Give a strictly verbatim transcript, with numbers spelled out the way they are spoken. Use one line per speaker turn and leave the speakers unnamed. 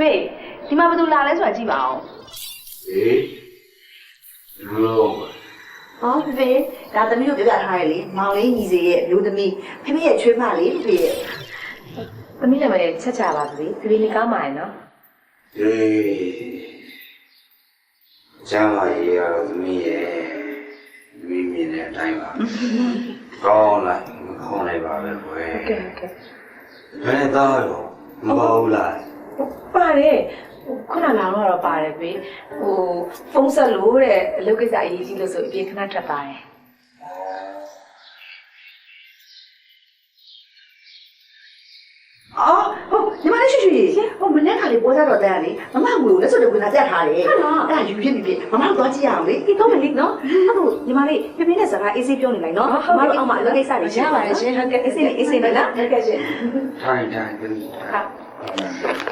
ဖေဒီမှာဘယ်သူလာလဲဆိုတာကြည့်ပါအောင်
ဟေးလူလုံး
ဟောဖေဖေဒါသမီးတို့ပြပြထားရလေမောင်လေးညီစီရဲ့မျိုးသမီးဖေဖေရဲ့ချွေးမလေးဖေရဲ့
သမီးလည်းမလေးချက်ချပါဘူးဖေဖေနေကောင်းပါရဲ့နော်
ဟေးကျမ်းမာရေးရတော့သမီးရဲ့သမီးမြင်တဲ့အတိုင်းပါကောင်းလိုက်မကောင်းလိုက်ပါပဲကွယ်
ဟုတ်ကဲ့ဟုတ်ကဲ့
ဘယ်နဲ့သားရောမပါဘူးလား
ပါတယ်ခုနလာတော့ပါတယ်ဖေဟိုဖုန်းဆက်လို့တဲ့အလုပ်ကိစ္စအရေးကြီးလို့ဆိုအပြင်ခဏထွက်သွားတယ်
အော်ဟုတ်ညီမလေးရှိရှိဟိုမနေ့ကလေးပေါ်ကြတော့တဲ့လေမမငွေကိုလက်စွပ်တွေဝင်လာတက်ထားတယ်အဲ့ဒါယူဖြစ်ပြီဖြစ်မမတို့သွားကြည့်ရအောင်လေဒီတော့မလေးနော်အဲ့ဒါညီမလေးပြပြနဲ့စကားအေးဆေးပြောနေလိုက်နော်မမတို့အောက်မှာအလုပ်ကိစ္စတွေရှိပါတယ်ရှင်ဟုတ်ကဲ့အေးဆေးနဲ့အေးဆေးနဲ့လားဟုတ်ကဲ့ရှင်
ထိုင်ထိုင်သမီး
ဟုတ်